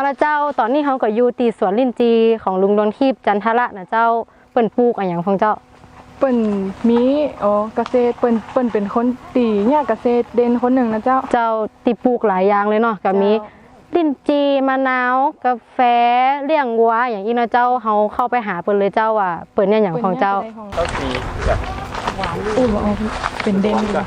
ละเจ้าตอนนี้เขาก็อยู่ตีสวนลิ้นจีของลุงดวงทิพย์จันทระนะเจ้าเปิ้นปลูกอะไรอย่างของเจ้าเปิ้นมีเกษตรเปิ้นเป็นคนตีเนี่ยเกษตรเด่นคนหนึ่งนะเจ้าตีปลูกหลายอย่างเลยเนาะก็มีลิ้นจีมะนาวกาแฟเลี้ยงวัวอย่างนี้เนาะเจ้าเขาเข้าไปหาเปิ้นเลยเจ้าว่าเปิ้นเนี่ยอย่างของเจ้าสีแบบหวานเป็นเด่นเลย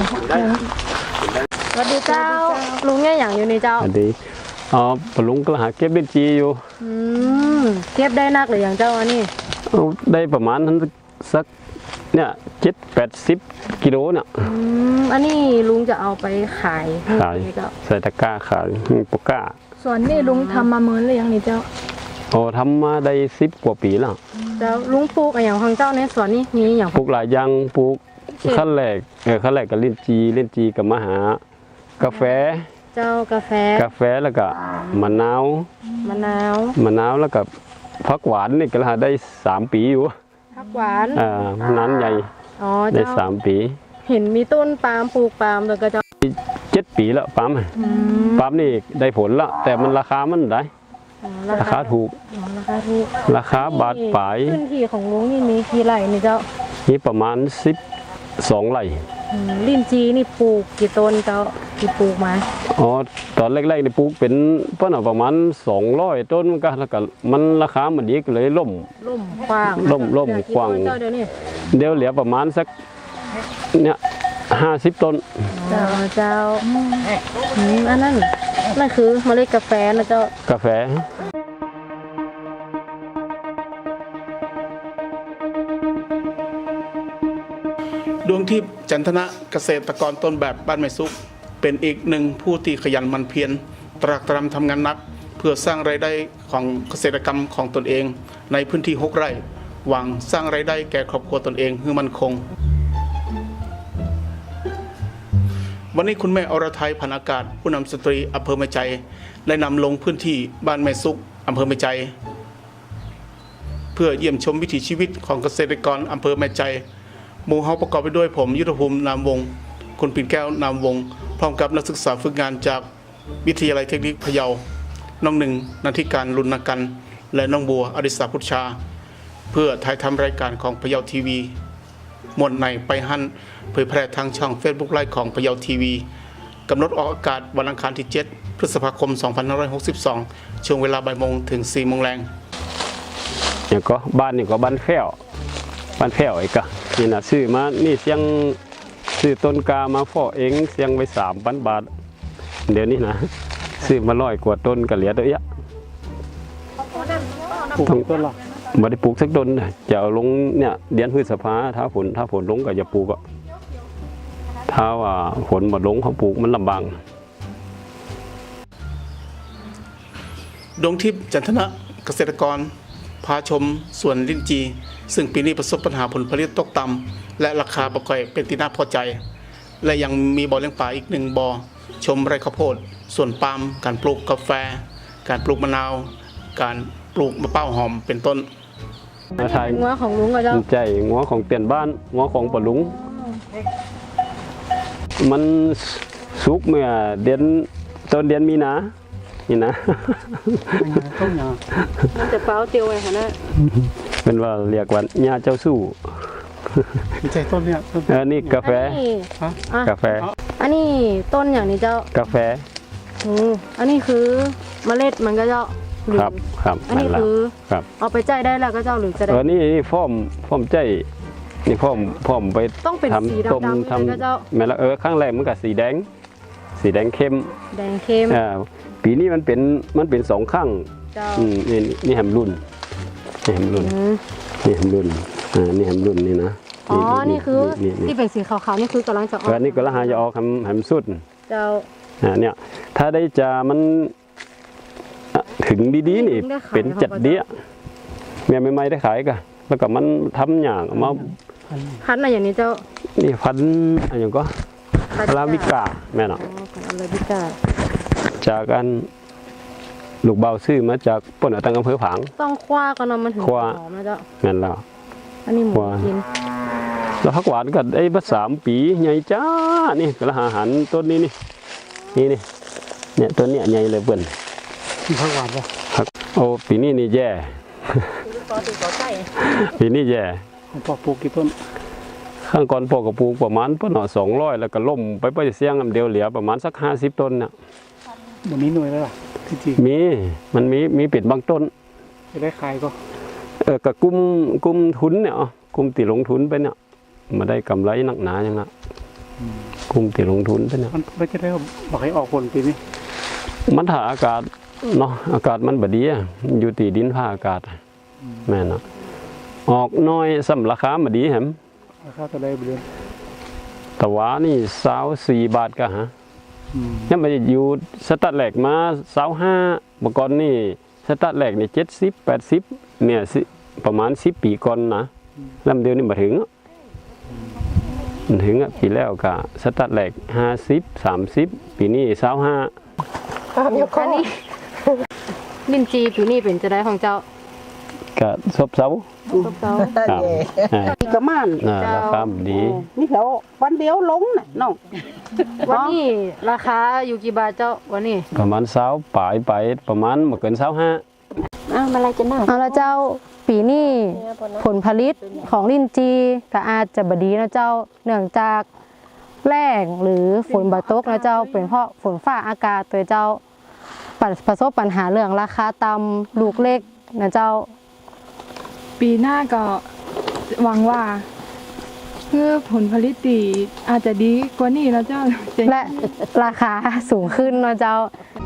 สวัสดีเจ้าลุงเนี่ยอย่างอยู่ในเจ้าสวัสดีปลุงก็หาเก็บลิ้นจีอยู่เก็บได้นักหรืออย่างเจ้าอันนี้ได้ประมาณนั้นสักเนี่ย70 กิโลเนี่ยอันนี้ลุงจะเอาไปขายใส่ตะกร้าขายปก้าส่วนนี่ลุงทำมาเมินเลยยังนี่เจ้าทำมาได้10 กว่าปีแล้วเจ้าลุงปลูกอย่างของเจ้าในสวนนี้มีอย่างปลูกหลายอย่างปลูกขั้นแรกกับลิ้นจีกับมหากาแฟเจ้ากาแฟแล้วก็มะนาวแล้วก็ผักหวานนี่ก็ได้3 ปีอยู่ผักหวานนั้นใหญ่ได้3 ปีเห็นมีต้นปาล์มปลูกปาล์มแล้วก็จะ 7 ปีแล้วปาล์มนี่ได้ผลละแต่มันราคามันได้ราคาถูกราคาบาทปลายพื้นที่ของลุงนี่มีกี่ไร่นี่เจ้านี่ประมาณ12 ไร่ลิ้นจีนี่ปลูกกี่ต้นเจ้าที่ปลูกมาตอนแรกๆนี่ปลูกเป็นประมาณ200 ต้นก็แล้วก็มันราคามันดีก็เลยล่มกว้างล่มกว้างเดี๋ยวเหลือประมาณสักเนี่ย50 ต้นเจ้าอันนั้นคือเมล็ดกาแฟนะเจ้ากาแฟดวงทิพย์จันทนะเกษตรกรต้นแบบบ้านไม้ซุกเป็นอีกหนึ่งผู้ที่ขยันหมั่นเพียรตรากตรำทำงานหนักเพื่อสร้างรายได้ของเกษตรกรรมของตนเองในพื้นที่6 ไร่หวังสร้างรายได้แก่ครอบครัวตนเองให้มั่นคงวันนี้คุณแม่อรทัยพันอากาศผู้นำสตรีอำเภอแม่ใจได้นำลงพื้นที่บ้านแม่ซุกอำเภอแม่ใจเพื่อเยี่ยมชมวิถีชีวิตของเกษตรกรอำเภอแม่ใจหมู่เฮาประกอบไปด้วยผมยุทธภูมินามวงศ์คุณปิ่นแก้วนามวงศ์พร้อมกับนักศึกษาฝึกงานจากวิทยาลัยเทคนิคพะเยาน้องหนึ่งนันทิการลุนกันและน้องบัวอดิศรพุทธชาเพื่อถ่ายทำรายการของพะเยาทีวีมวลในไปหั่นเผยแพร่ทางช่อง Facebook ไลฟ์ของพะเยาทีวีกำหนดออกอากาศวันอังคารที่7 พฤษภาคม 2562 ช่วงเวลาบ่ายโมงถึง4 โมงแรงอย่างก็บ้านนี่ก็บ้านแพ้วอีกอะนี่นะซื้อมานี่เสียงซื้อต้นกามาฟอกเองเสียงไว้3,000 บาทเดี๋ยวนี้นะซื้อมา100 กว่าต้นก็เหลือตัวเยอะปลูกต้นละไม่ได้ปลูกสักต้นจะเอาลงเนี่ยเดือนพฤษภาถ้าฝนลงก็จะปลูกถ้าว่าฝนมาลงเขาปลูกมันลำบากดวงทิพย์จันทนะเกษตรกรพาชมสวนลิ้นจีซึ่งปีนี้ประสบปัญหาผลผลิตตกต่ำและราคาบ่ค่อยเป็นที่น่าพอใจและยังมีบ่อเลี้ยงปลาอีก1 บ่อชมไร่ข้าวโพดสวนปาล์มการปลูกกาแฟการปลูกมะนาวการปลูกมะพร้าวหอมเป็นต้นงัวของลุงก็เจ้าใจงัวของเตียนบ้านงัวของปะลุงมันสุกเมื่อต้นเดือนมีนานี่นะมันจะเป้าเตียวไว้ค่ะนะเป็นว่าเรียกว่าหญ้าเจ้าสู้ใช่ต้นเนี่ยนี่กาแฟอันนี้ต้นอย่างนี้เจ้ากาแฟอันนี้คือเมล็ดมันก็เจ้าครับอันนี้คือเอาไปใจได้แล้วก็เจ้าหรือจะได้นี่ฟ้อมใจนี่ฟ้อมไปต้องเป็นสีดำทำแม่ละข้างแรกมันกับสีแดงเข้มปีนี้มันเป็น2 ข้างนี่แฮมรุ่นนี่นะนี่คือที่เป็นสีขาวๆนี่คือกำลังจะออกนี่ก็ละหาจะออกแฮมสุดเจ้าเนี่ยถ้าได้จะมันถึงดีๆนี่เป็นจัดเดี้ยแม่ไม่ได้ขายกันแล้วก็มันทำอย่างมาพันอะไรอย่างนี้เจ้านี่พันอะไรอย่างก็อาราบิก้าแม่เนาะอาราบิก้าจากกันลูกเบาซื้อมาจากป่นตั้งอำเภอผางต้องคว้ากันเนาะมันถึงหอมนะเจ้าแม่นแล้วอันนี้หมูกินแล้วผักหวานก็ได้มา3 ปีใหญ่จ้านี่กระหาหันต้นนี้นี่เนี่ยต้นเนี้ยใหญ่เลยเบิ่นผักหวานป่ะครับโอ้ปีนี้นี่แย่ ปีนี้แย่ผมปอกปลูกกี่ต้นข้างก่อนพ่อก็ปลูกประมาณป่น200แล้วก็ล่มไปเสียงอันเดียวเหลือประมาณสัก50ต้นน่ะวันนี้หน่วยแล้วล่ะที่จริงมันมีเป็ดบางต้นจะได้ขายก็ก็กุมทุนเนี่ยกุมตีลงทุนไปเนี่ยมาได้กำไรหนักหนาอย่างนั้นกุมตีลงทุนไปเนี่ยมันไม่จะได้บอกให้ออกผลปีนี้มันถ้าอากาศเนาะอากาศมันบดีอะอยู่ตีดินผ้าอากาศแม่นเนาะออกน้อยสำราคาบดีแหมราคาจะได้เดือนแต่ว่านี่24 บาทก็ฮะยังมันอยู่สตัดแหลกมา25เมื่อก่อนนี่สตัดแหลกนี่70 80เนี่ยประมาณ10 ปีก่อนนะลำเดียวนี่มาถึงมันถึงปีแล้วก็สตัดแหลก50 30ปีนี้25 อันนี้ลิ้นจีปีนี้เป็นจะได้ของเจ้าก็ซบเซาเจ้าครับประมาณราคาดีนี่แล้ววันเดียวลงน่ะน้องวันนี้ราคาอยู่กี่บาทเจ้าวันนี้ประมาณ20ปลายไปประมาณบ่เกิน25 มาอะไรจะนั่งเอาละเจ้าปีนี้ผลผลิตของลิ้นจีก็อาจจะบดีนะเจ้าเนื่องจากแล้งหรือฝนบาตกนะเจ้าเป็นเพราะฝนฟ้าอากาศตัวเจ้าประสบปัญหาเรื่องราคาต่ำลูกเล็กนะเจ้าปีหน้าก็หวังว่าคือผลผลิตดีอาจจะดีกว่านี้แล้วเจ้าและราคาสูงขึ้นนะเจ้า